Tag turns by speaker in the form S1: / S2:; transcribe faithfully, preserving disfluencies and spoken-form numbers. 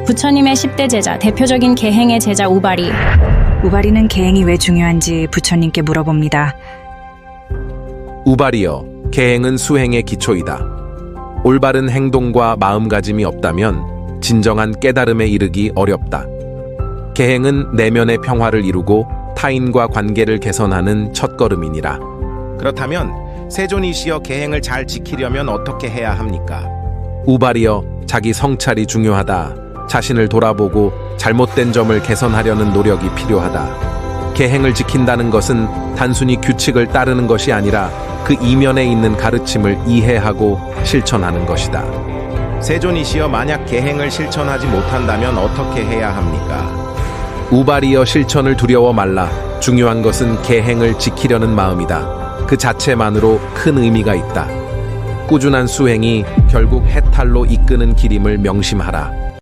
S1: 부처님의 십 대 제자, 대표적인 계행의 제자 우바리.
S2: 우바리는 계행이 왜 중요한지 부처님께 물어봅니다.
S3: 우바리여, 계행은 수행의 기초이다. 올바른 행동과 마음가짐이 없다면 진정한 깨달음에 이르기 어렵다. 계행은 내면의 평화를 이루고 타인과 관계를 개선하는 첫걸음이니라.
S4: 그렇다면 세존이시여 계행을 잘 지키려면 어떻게 해야 합니까?
S3: 우바리여, 자기 성찰이 중요하다. 자신을 돌아보고 잘못된 점을 개선하려는 노력이 필요하다. 계행을 지킨다는 것은 단순히 규칙을 따르는 것이 아니라 그 이면에 있는 가르침을 이해하고 실천하는 것이다.
S4: 세존이시여 만약 계행을 실천하지 못한다면 어떻게 해야 합니까?
S3: 우바리여, 실천을 두려워 말라. 중요한 것은 계행을 지키려는 마음이다. 그 자체만으로 큰 의미가 있다. 꾸준한 수행이 결국 해탈로 이끄는 길임을 명심하라.